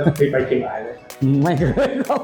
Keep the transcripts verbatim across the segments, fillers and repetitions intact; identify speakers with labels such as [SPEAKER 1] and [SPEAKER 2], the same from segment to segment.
[SPEAKER 1] แล้วเคยไปเชียงรายไหม
[SPEAKER 2] ไม่เคยครับ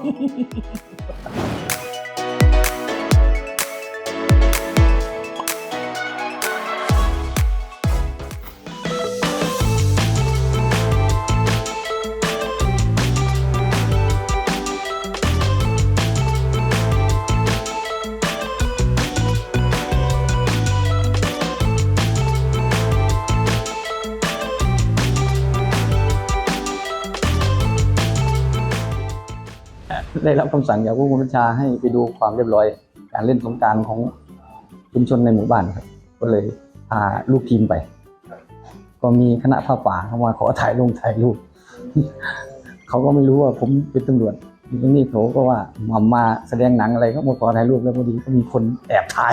[SPEAKER 2] ได้รับคำสั่งจากผู้บังคับบัญชาให้ไปดูความเรียบร้อยการเล่นสงกรานต์ของชุมชนในหมู่บ้านครับก็เลยพาลูกทีมไปก็มีคณะผ้าป่าเข้ามาขอถ่ายลงถ่ายรูปเขาก็ไม่รู้ว่าผมเป็นตำรวจทีนี้เขาก็ว่ามามาแสดงหนังอะไรก็มาขอถ่ายรูปแล้วพอดีก็มีคนแอบถ่าย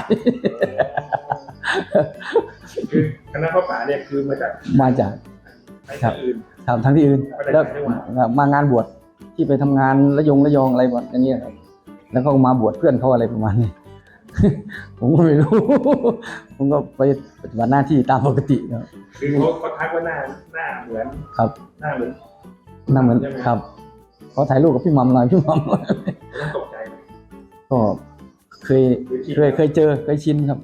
[SPEAKER 1] คือคณะผ้าป่าเนี่ยคือมาจาก
[SPEAKER 2] มาจาก
[SPEAKER 1] ครับอื่น
[SPEAKER 2] ครับทั้งที่อื่นแล้วมางานบวชที่ไปทำงานระยงระยองอะไรแบบนี้ครับแล้วก็มาบวชเพื่อนเขาอะไรประมาณนี้ ผมก็ไม่รู้ ผมก็ไปปฏิบัติหน้าที่ตามปกติครับ
[SPEAKER 1] คือเขาเขาทักว่าหน้าหน้าเหมือน
[SPEAKER 2] ครับ
[SPEAKER 1] หน้าเหมือน
[SPEAKER 2] หน้าเหมือนครับเขาถ่ายรูปกับพี่มัมหน่อยพี่มัม
[SPEAKER 1] ต้องตกใจ
[SPEAKER 2] ก็เคยเคยเคยเจอเคยชินครับ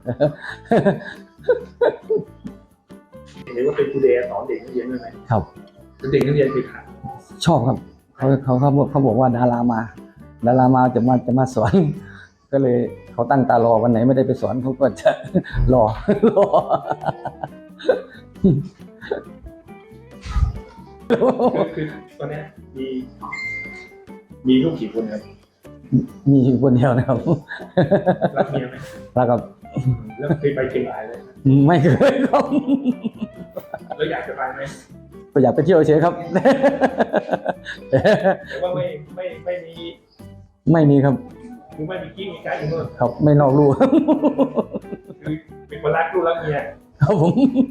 [SPEAKER 1] เห็นว่าเป็นครูเดย์สอนเด็กนักเรียนด้วยไหม
[SPEAKER 2] ครับ
[SPEAKER 1] เด็กนักเรียนคือใคร
[SPEAKER 2] ชอบครับเขาเขาเขาบอกเขาบอกว่าดารามาดารามาจะมาจะมาสอนก็เลยเขาตั้งตารอวันไหนไม่ได้ไปสอนเขาก็จะรอรอ
[SPEAKER 1] คือตอนนี้มีมีลูกกี่คนครับ
[SPEAKER 2] มีคนเดียวนะครับ
[SPEAKER 1] รักเมียไหม
[SPEAKER 2] รักครับ
[SPEAKER 1] แล้วเคยไปเชียงรายไหม
[SPEAKER 2] ไม่เคยครับ
[SPEAKER 1] แล้วอยากจะไปไหม
[SPEAKER 2] ก็อยากไปเที่ยวเฉยครับ
[SPEAKER 1] แต่ว่าไม่ไม่ไม่มี
[SPEAKER 2] ไม่มีครับ
[SPEAKER 1] คือไม่มีกิ๊กมีไกด์อยู่นู่น
[SPEAKER 2] ครับไม่นอกลู่
[SPEAKER 1] คือเป็นคนรักลูกรักเมีย
[SPEAKER 2] ครับผม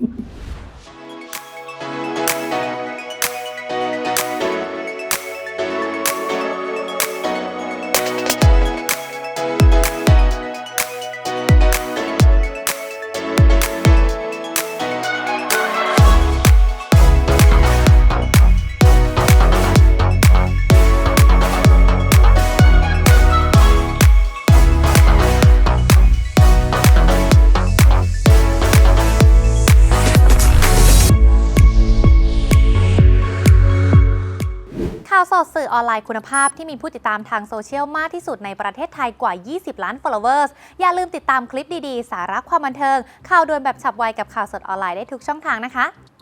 [SPEAKER 3] ข่าวสดสื่อออนไลน์คุณภาพที่มีผู้ติดตามทางโซเชียลมากที่สุดในประเทศไทยกว่า ยี่สิบ ล้าน followers อย่าลืมติดตามคลิปดีๆ สาระความบันเทิงข่าวด่วนแบบฉับไวกับข่าวสดออนไลน์ได้ทุกช่องทางนะคะ